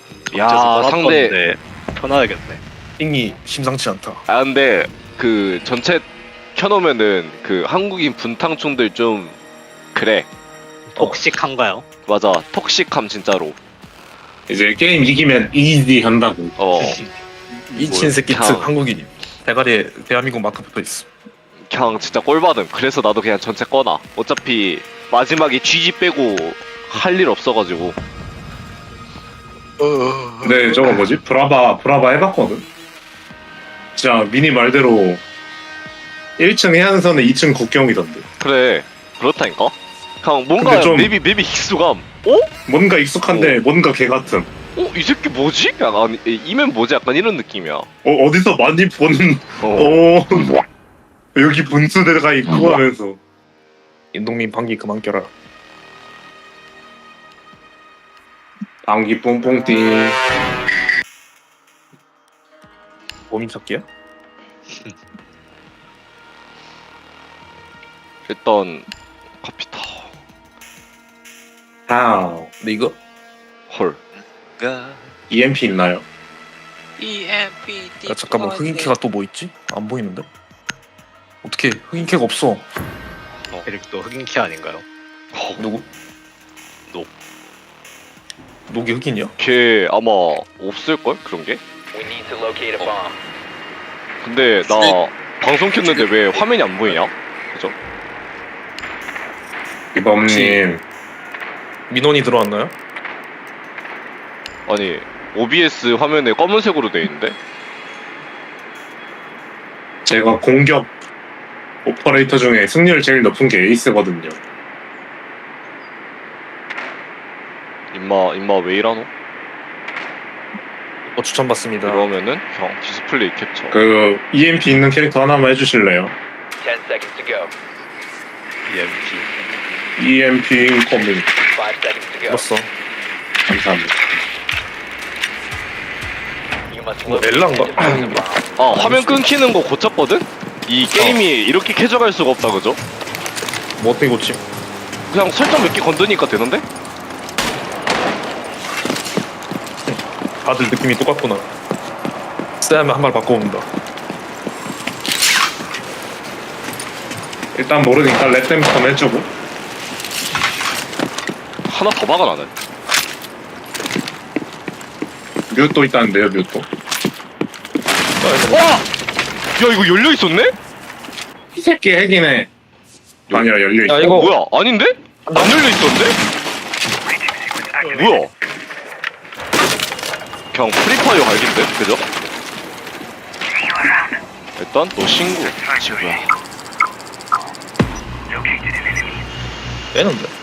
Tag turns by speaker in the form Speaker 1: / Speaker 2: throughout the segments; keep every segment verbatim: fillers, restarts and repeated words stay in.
Speaker 1: 야 상대
Speaker 2: 편하겠네.
Speaker 3: 잉이 심상치 않다.
Speaker 1: 아 근데 그 전체 켜놓으면은 그 한국인 분탕충들 좀 그래.
Speaker 2: 톡식한가요?
Speaker 1: 맞아 톡식함 진짜로.
Speaker 4: 이제 게임 이기면 이지 한다고.
Speaker 1: 어
Speaker 3: 이친 새끼
Speaker 1: 그냥-
Speaker 3: 특 한국인이. 대가리에 대한민국 마크 붙어 있어.
Speaker 1: 그냥 진짜 꼴받음. 그래서 나도 그냥 전체 꺼놔. 어차피 마지막에 쥐지 빼고 할 일 없어가지고.
Speaker 4: 근데 저거 뭐지? 브라바 브라바 해봤거든. 진짜 미니 말대로 일 층 해안선에 이 층 국경이던데.
Speaker 1: 그래 그렇다니까. 그냥 뭔가
Speaker 4: 근데 좀-
Speaker 1: 맵이 맵이 익숙함. 어?
Speaker 4: 뭔가 익숙한데 뭔가 개 같은.
Speaker 1: 어? 이 새끼 뭐지? 약간 이면 뭐지? 약간 이런 느낌이야.
Speaker 4: 어 어디서 많이 본.
Speaker 1: 어.
Speaker 4: 어 여기 분수대가 있고 하면서.
Speaker 3: 인동민 방귀 그만 껴라.
Speaker 4: 방귀 뽕뽕 띵.
Speaker 3: 범인 찾기야?
Speaker 1: 일단 카피타.
Speaker 4: 아
Speaker 3: 근데 이거
Speaker 1: 헐.
Speaker 4: 이엠피 있나요?
Speaker 3: 야 잠깐만 흑인캐가 또 뭐 있지? 안 보이는데? 어떻게 흑인캐가 없어?
Speaker 2: 에릭도 흑인키 아닌가요?
Speaker 3: 누구?
Speaker 2: 녹.
Speaker 3: 녹이 흑인이야?
Speaker 1: 걔 아마 없을걸? 그런 게?
Speaker 5: We need to locate a bomb.
Speaker 1: 근데 나 방송 켰는데 왜 화면이 안 보이냐? 그죠?
Speaker 4: 이범님
Speaker 3: 민원이 들어왔나요?
Speaker 1: 아니 오비에스 화면에 검은색으로 돼 있는데?
Speaker 4: 제가 공격 오퍼레이터 중에 승률 제일 높은 게 에이스거든요.
Speaker 1: 임마 임마 왜 이러노?
Speaker 3: 어 추천받습니다.
Speaker 1: 그러면은 형 디스플레이 캡처.
Speaker 4: 그 이엠피 있는 캐릭터 하나만 해주실래요?
Speaker 5: Ten seconds to go.
Speaker 2: 이엠피.
Speaker 4: 이엠피 인커밍.
Speaker 5: Five seconds to go.
Speaker 3: 들었어.
Speaker 4: 감사합니다.
Speaker 5: You must
Speaker 3: 뭐
Speaker 5: locate
Speaker 3: 엘란가?
Speaker 5: and defuse the bomb.
Speaker 1: 아 화면 끊기는 거 고쳤거든? 이 게임이 이렇게 캐져갈 수가 없다 그죠?
Speaker 3: 뭐 어떻게 고침?
Speaker 1: 그냥 설정 몇 개 건드니까 되는데?
Speaker 3: 다들 느낌이 똑같구나. 쌤 한 발 바꿔온다.
Speaker 4: 일단 모르니까 랩댐부터 해주고.
Speaker 1: 하나 더 박아 나는.
Speaker 4: 뮤도 있다는데요, 뮤도.
Speaker 1: 와! 야 이거 열려 있었네?
Speaker 4: 이 새끼 핵이네. 아니야, 열려있어.
Speaker 3: 야
Speaker 1: 어,
Speaker 3: 이거
Speaker 1: 뭐야? 아닌데? 안 열려 있었는데? 뭐야? 그냥 프리파이어 갈긴데? 그죠? 일단 너 신고. 친구야.
Speaker 3: 빼는데.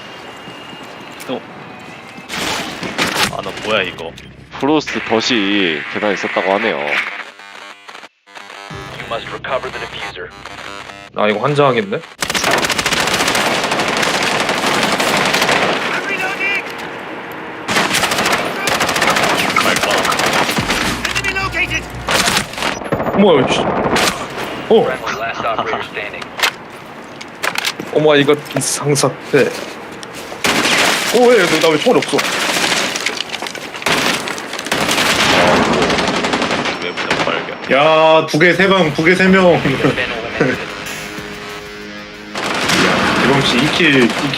Speaker 2: 아 나 뭐야 이거?
Speaker 1: 프로스트 덫이 계단에 있었다고 하네요.
Speaker 5: You must recover the diffuser.
Speaker 3: 아 이거 환장하겠네. 어머 씨. 어
Speaker 5: Friendly last operator standing.
Speaker 3: 어머 이거 이상사태. 어왜나 왜 총알이 없어?
Speaker 2: 외부적 발견.
Speaker 4: 야, 두 개, 세 명, 두 개, 세 명.
Speaker 5: Been eliminated.
Speaker 4: 이범씨 이 킬, 이